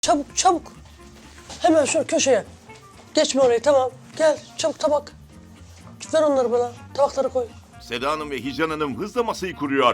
Çabuk çabuk. Hemen şu köşeye. Geçme orayı, tamam. Gel çabuk tabak. Ver onları bana. Tabakları koy. Seda Hanım ve Hicran Hanım hızla masayı kuruyor.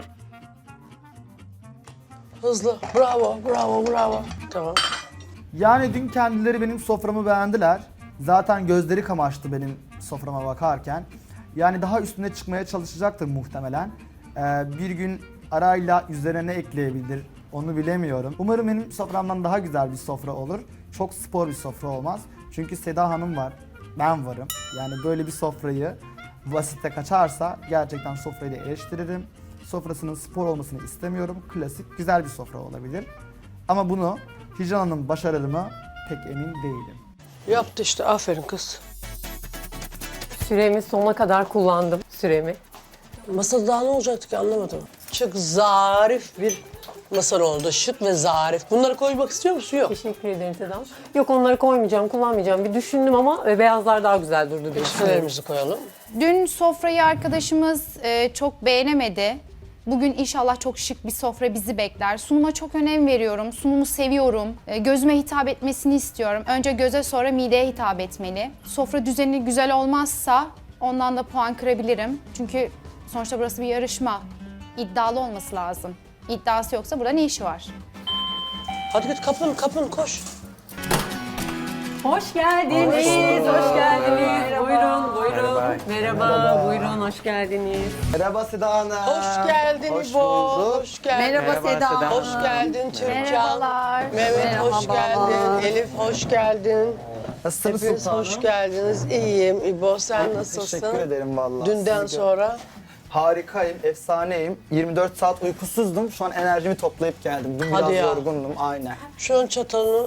Hızlı. Bravo, bravo, bravo. Tamam. Yani dün kendileri benim soframı beğendiler. Zaten gözleri kamaştı benim soframa bakarken. Yani daha üstüne çıkmaya çalışacaktır muhtemelen. Bir gün arayla üzerine ne ekleyebilir onu bilemiyorum. Umarım benim soframdan daha güzel bir sofra olur. Çok spor bir sofra olmaz. Çünkü Seda Hanım var, ben varım. Yani böyle bir sofrayı basite kaçarsa gerçekten sofrayı da eleştiririm. Sofrasının spor olmasını istemiyorum. Klasik, güzel bir sofra olabilir. Ama bunu Hicran Hanım başarır mı pek emin değilim. Yaptı işte, aferin kız. Süremi sonuna kadar kullandım süremi. Masada daha ne olacaktı ki, anlamadım. Çok zarif bir masa oldu. Şık ve zarif. Bunları koymak istiyor musun? Yok. Teşekkür ederim Sedam. Yok, onları koymayacağım, kullanmayacağım. Bir düşündüm ama beyazlar daha güzel durdu diye. Şunlarımızı koyalım. Dün sofrayı arkadaşımız çok beğenemedi. Bugün inşallah çok şık bir sofra bizi bekler. Sunuma çok önem veriyorum. Sunumu seviyorum. Gözüme hitap etmesini istiyorum. Önce göze, sonra mideye hitap etmeli. Sofra düzeni güzel olmazsa ondan da puan kırabilirim. Çünkü sonuçta burası bir yarışma. İddialı olması lazım. İddiası yoksa burada ne işi var? Hadi git, kapın koş. Hoş geldiniz, hoş geldiniz. Buyurun, buyurun. Merhaba, buyurun, hoş geldiniz. Merhaba Seda Hanım. Hoş geldin Hoş İbo. bulduk. Hoş geldin. Merhaba Seda. Hoş geldin Türkan. Merhabalar. Mehmet hoş geldin. Elif hoş geldin. Nasılsınız Hepiniz sultanım? hoş geldiniz. İyiyim. İbo sen nasılsın? Teşekkür ederim vallahi. Dünden Sizi sonra. Harikayım, efsaneyim. 24 saat uykusuzdum. Şu an enerjimi toplayıp geldim. Dün Hadi biraz ya. yorgundum, aynen. Şu an çatalını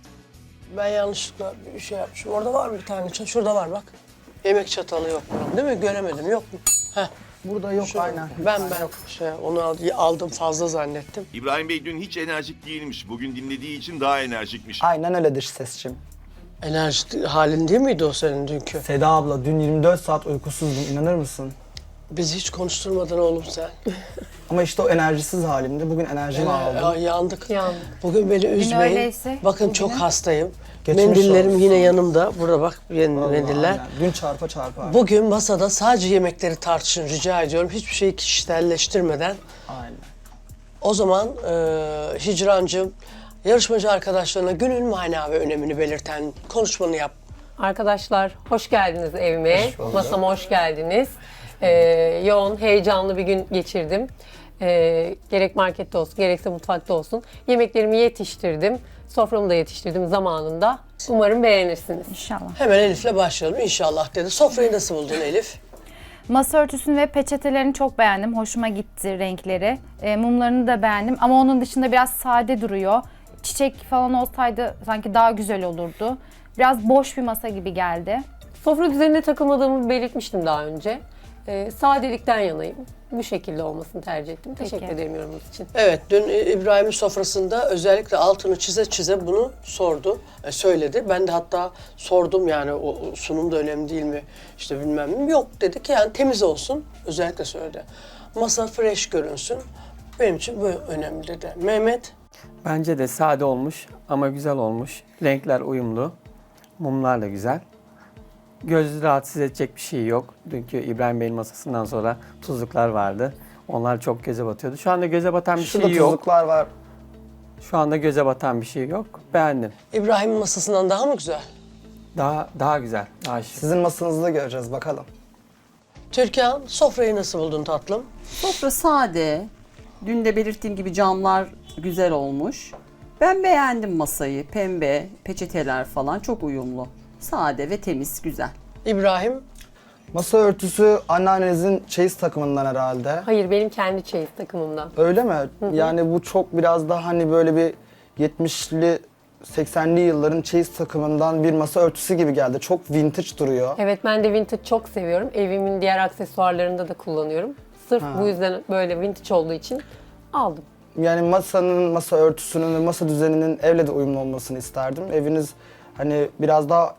ben yanlışlıkla bir şey yapmışım. Orada var mı bir tane çatal? Şurada var bak. Yemek çatalı yok bunun, değil mi? Göremedim. Yok mu? Heh. Burada yok, Şu, aynen. Ben onu aldım fazla zannettim. İbrahim Bey dün hiç enerjik değilmiş. Bugün dinlediği için daha enerjikmiş. Aynen öyledir sesçim. Enerji halin değil miydi o senin dünkü? Seda abla, dün 24 saat uykusuzdum, inanır mısın? Bizi hiç konuşturmadın oğlum sen. Ama işte o enerjisiz halimde bugün enerjimi aldım. Ya, yandık. Yandık. Bugün beni üzmeyin. öyleyse, Bakın çok hastayım. Geçmiş Mendillerim olsun. yine yanımda. Burada bak Vallahi mendiller. aynen. Dün çarpa çarpa. Bugün masada sadece yemekleri tartışın rica ediyorum. Hiçbir şeyi kişiselleştirmeden. Aynen. O zaman Hicrancığım, yarışmacı arkadaşlarına günün mana ve önemini belirten konuşmanı yap. Arkadaşlar, hoş geldiniz evime. Masama hoş geldiniz. Yoğun, heyecanlı bir gün geçirdim. Gerek markette olsun, gerekse mutfakta olsun. Yemeklerimi yetiştirdim. Soframı da yetiştirdim zamanında. Umarım beğenirsiniz. İnşallah. Hemen Elif'le başlayalım inşallah dedi. Sofrayı nasıl buldun Elif? Masa örtüsünü ve peçetelerini çok beğendim. Hoşuma gitti renkleri. Mumlarını da beğendim ama onun dışında biraz sade duruyor. Çiçek falan olsaydı sanki daha güzel olurdu. Biraz boş bir masa gibi geldi. Sofra düzenine takılmadığımı belirtmiştim daha önce. Sadelikten yanayım. Bu şekilde olmasını tercih ettim. Teşekkür ederim yorumunuz için. Evet, dün İbrahim'in sofrasında özellikle altını çize çize bunu sordu, söyledi. Ben de hatta sordum yani o sunum da önemli değil mi, işte bilmem ne. Yok dedi ki yani temiz olsun, özellikle söyledi. Masa fresh görünsün, benim için bu önemli dedi. Mehmet? Bence de sade olmuş ama güzel olmuş. Renkler uyumlu. Mumlar da güzel. Gözü rahatsız edecek bir şey yok. Dünkü İbrahim Bey'in masasından sonra tuzluklar vardı. Onlar çok göze batıyordu. Şu anda göze batan bir Şurada şey yok. tuzluklar var. Şu anda göze batan bir şey yok. Beğendim. İbrahim'in masasından daha mı güzel? Daha güzel, daha şık. Sizin masanızda göreceğiz bakalım. Türkan, sofrayı nasıl buldun tatlım? Sofra sade. Dün de belirttiğim gibi camlar güzel olmuş. Ben beğendim masayı. Pembe, peçeteler falan çok uyumlu. Sade ve temiz, güzel. İbrahim, Masa örtüsü anneannenizin çeyiz takımından herhalde. Hayır, benim kendi çeyiz takımımdan. Öyle mi? Yani bu çok biraz daha hani böyle bir 70'li 80'li yılların çeyiz takımından bir masa örtüsü gibi geldi. Çok vintage duruyor. Evet, ben de vintage çok seviyorum. Evimin diğer aksesuarlarında da kullanıyorum. Sırf bu yüzden böyle vintage olduğu için aldım. Yani masa örtüsünün ve masa düzeninin evle de uyumlu olmasını isterdim. Eviniz hani biraz daha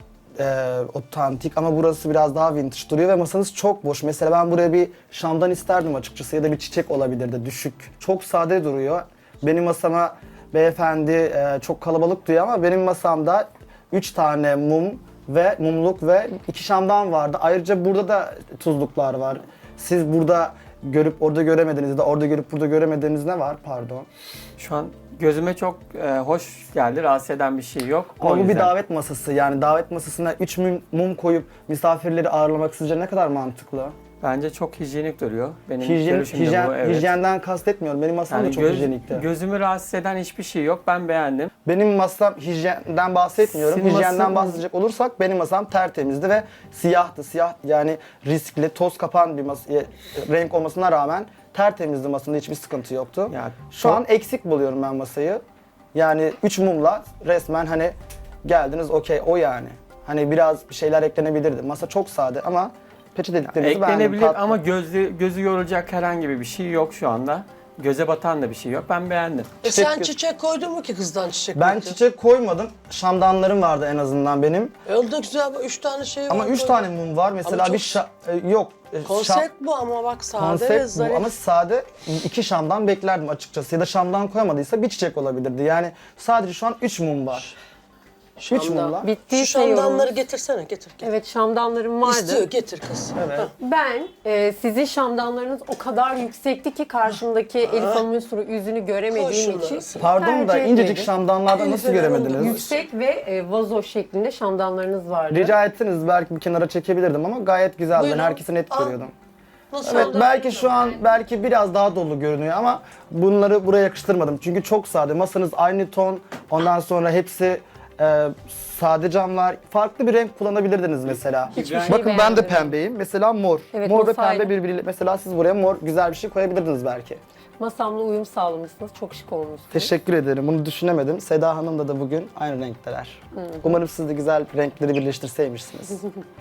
otantik ama burası biraz daha vintage duruyor ve masanız çok boş. Mesela ben buraya bir şamdan isterdim açıkçası ya da bir çiçek olabilirdi düşük. Çok sade duruyor. Benim masama beyefendi çok kalabalık diyor ama benim masamda 3 tane mumluk ve 2 şamdan vardı. Ayrıca burada da tuzluklar var. Siz burada görüp orada göremediğiniz ya da orada görüp burada göremediğiniz ne var? Pardon. Şu an gözüme çok hoş geldi. Rahatsız eden bir şey yok. Ama O bu bir yüzden. davet masası. Yani davet masasına 3 mum koyup misafirleri ağırlamak sizce ne kadar mantıklı? Bence çok hijyenik duruyor. Benim görüşüm de bu, evet. Hijyenden kastetmiyorum. Benim masam da çok hijyenikti. Gözümü rahatsız eden hiçbir şey yok. Ben beğendim. Benim masam hijyenden bahsetmiyorum. Senin Hijyenden masan- bahsedecek olursak benim masam tertemizdi ve siyahtı. Siyah yani riskli, toz kapan bir renk olmasına rağmen tertemizdi, masada hiçbir sıkıntı yoktu. Ya, Şu an eksik buluyorum ben masayı. Yani 3 mumla resmen hani geldiniz okey o yani. Hani biraz bir şeyler eklenebilirdi. Masa çok sade ama peçeteliklerinizi beğendim. eklenebilir tatlı. ama gözü yorulacak herhangi bir şey yok şu anda. Göze batan da bir şey yok. Ben beğendim. Sen çiçek koydun mu ki kızdan çiçek? Ben bekledin? çiçek koymadım. Şamdanlarım vardı en azından benim. O da güzel, 3 tane şey var. Ama 3 tane mum var. Mesela Ama bir çok- yok. Konsept bu ama bak sade ve Konsept bu zarif. ama sade 2 şamdan beklerdim açıkçası. Ya da şamdan koyamadıysa bir çiçek olabilirdi. Yani sadece şu an 3 mum var. 3 Şamdan. mumla. Şu Bittiyse şamdanları yorumumuz. getirsene, getir. Evet, şamdanlarım vardı. İstiyor, getir kız. Evet. Ben sizin şamdanlarınız o kadar yüksekti ki karşımdaki Elif Hanım'ın yüzünü Koy göremediğim şunları için. sana. Pardon da tercih incecik etmedim. şamdanlardan nasıl Elif'e göremediniz? verin Yüksek ve vazo şeklinde şamdanlarınız vardı. Rica etseniz belki bir kenara çekebilirdim ama gayet güzeldi. Buyurun. Ben herkesi net Al. görüyordum. Nasıl Evet oldu? belki şu an biraz daha dolu görünüyor ama bunları buraya yakıştırmadım. Çünkü çok sade. Masanız aynı ton. Ondan sonra hepsi sade camlar. Farklı bir renk kullanabilirdiniz mesela. Hiçbir şey Bakın ben de beğenmedim. pembeyim. Mesela mor. Evet, mor ve masayla. pembe birbiriyle. Mesela siz buraya mor güzel bir şey koyabilirdiniz belki. Masamla uyum sağlamışsınız. Çok şık olmuşsunuz. Teşekkür ederim. Bunu düşünemedim. Seda Hanım da bugün aynı renkteler. Umarım siz de güzel renkleri birleştirseymişsiniz.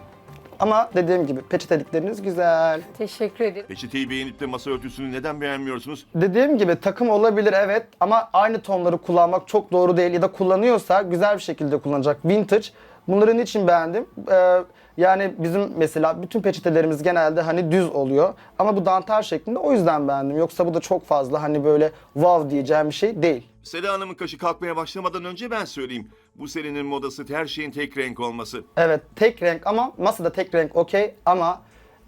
Ama dediğim gibi peçetelikleriniz güzel. Teşekkür ederim. Peçeteyi beğenip de masa örtüsünü neden beğenmiyorsunuz? Dediğim gibi takım olabilir evet ama aynı tonları kullanmak çok doğru değil ya da kullanıyorsa güzel bir şekilde kullanacak. Vintage. Bunları niçin beğendim? Yani bizim mesela bütün peçetelerimiz genelde hani düz oluyor ama bu dantel şeklinde o yüzden beğendim. Yoksa bu da çok fazla hani böyle wow diyeceğim bir şey değil. Seda Hanım'ın kaşı kalkmaya başlamadan önce ben söyleyeyim. Bu senenin modası her şeyin tek renk olması. Evet tek renk ama masada tek renk okey ama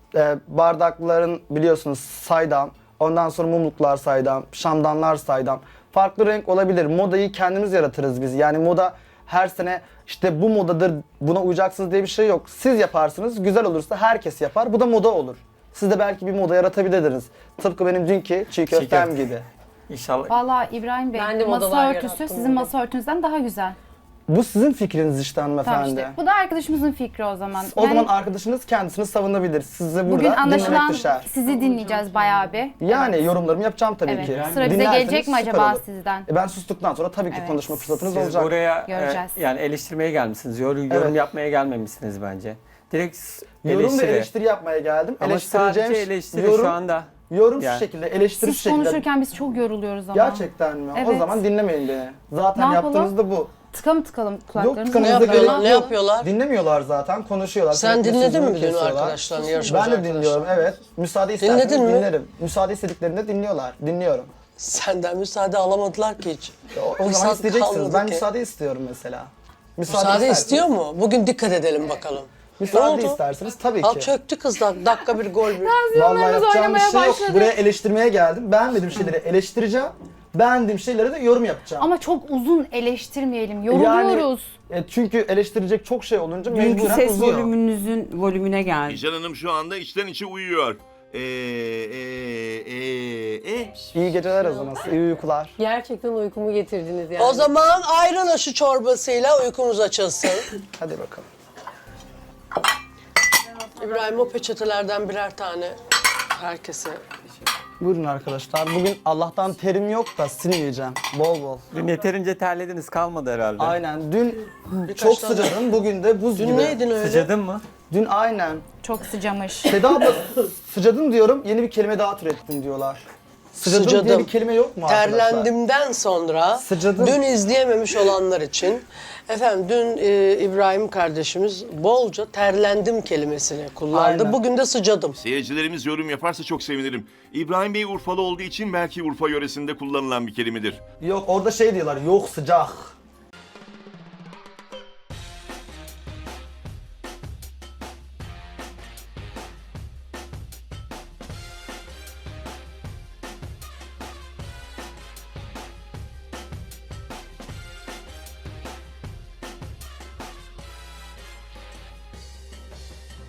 bardakların biliyorsunuz saydam, ondan sonra mumluklar saydam, şamdanlar saydam. Farklı renk olabilir. Modayı kendimiz yaratırız biz. Yani moda her sene işte bu modadır, buna uyacaksınız diye bir şey yok. Siz yaparsınız, güzel olursa herkes yapar. Bu da moda olur. Siz de belki bir moda yaratabilirdiniz. Tıpkı benim dünkü çiğ köftem köfte. gibi. İnşallah. Vallahi İbrahim Bey, Ben de masa modalar örtüsü yarattım sizin bugün. masa örtünüzden daha güzel. Bu sizin fikriniz işte Tamam hanımefendi. işte. Bu da arkadaşımızın fikri o zaman. O zaman arkadaşınız kendisini savunabilir. Size burada bugün dinlemek anlaşılan düşer. sizi dinleyeceğiz bayağı bir. Yani yorumlarımı yapacağım tabii Evet. ki. Sıra bize Dinlerseniz gelecek mi süper acaba olur. sizden? Ben sustuktan sonra tabii ki Evet. konuşma fırsatınız Siz olacak. buraya Göreceğiz. yani eleştirmeye gelmişsiniz. Yorum Evet. yapmaya gelmemişsiniz bence. Direkt Yorum ve eleştiri yapmaya geldim. Ama sadece eleştiri yorum, şu anda. yorum Yani. şu şekilde, eleştiri şu Siz şekilde. konuşurken biz çok yoruluyoruz ama. Gerçekten mi? O Evet. zaman dinlemeyin beni. Zaten Ne yapalım? yaptığınız da bu. Tıkalım Yok kulaklarımızı. Ne tıkanınıza gerek yapıyorlar? yok. Ne yapıyorlar? Dinlemiyorlar zaten, konuşuyorlar. Sen Sürekli dinledin sözümü mi dün kesiyorlar. arkadaşlarını, yarışmacı Ben de arkadaşlarını? dinliyorum evet. Müsaade isterseniz Dinledin mi? dinlerim. Müsaade istediklerinde dinliyorlar. Dinliyorum. Senden müsaade alamadılar ki hiç. O zaman Fırsat isteyeceksiniz. kalmadı Ben ki. müsaade istiyorum mesela. Müsaade isterseniz- istiyor mu? Bugün dikkat edelim bakalım. Müsaade Ne oldu? isterseniz tabii Al ki. çöktü kız dakika bir gol bir. Vallahi Tansiyonlarımız yapacağım bir oynamaya şey yok. başladı. Buraya eleştirmeye geldim. Beğenmediğim şeyleri eleştireceğim. Beğendiğim şeylere de yorum yapacağım. Ama çok uzun eleştirmeyelim. Yoruluyoruz. Çünkü eleştirecek çok şey olunca Dünkü mecburen ses uzuyor. volümünüzün volümüne geldi. Hicran Hanım şu anda içten içe uyuyor. İyi geceler o zaman. İyi uykular. Gerçekten uykumu getirdiniz yani. O zaman ayran aşı çorbasıyla uykumuz açılsın. Hadi bakalım. İbrahim o peçetelerden birer tane herkese. Buyurun arkadaşlar. Bugün Allah'tan terim yok da sinmeyeceğim. Bol bol. Dün yeterince terlediniz kalmadı herhalde. Aynen. Dün çok tane- sıcadım. Bugün de buz Dün gibi. neydin öyle? Sıcadın mı? Dün aynen. Çok sıcamış. Seda abla sıcadım diyorum. Yeni bir kelime daha türettim diyorlar. Sıcadım diye bir kelime yok mu arkadaşlar? Terlendimden sonra Sıcadım. dün izleyememiş olanlar için efendim dün İbrahim kardeşimiz bolca terlendim kelimesini kullandı. Aynen. Bugün de sıcadım. Seyircilerimiz yorum yaparsa çok sevinirim. İbrahim Bey Urfalı olduğu için belki Urfa yöresinde kullanılan bir kelimedir. Yok orada şey diyorlar, yok sıcak.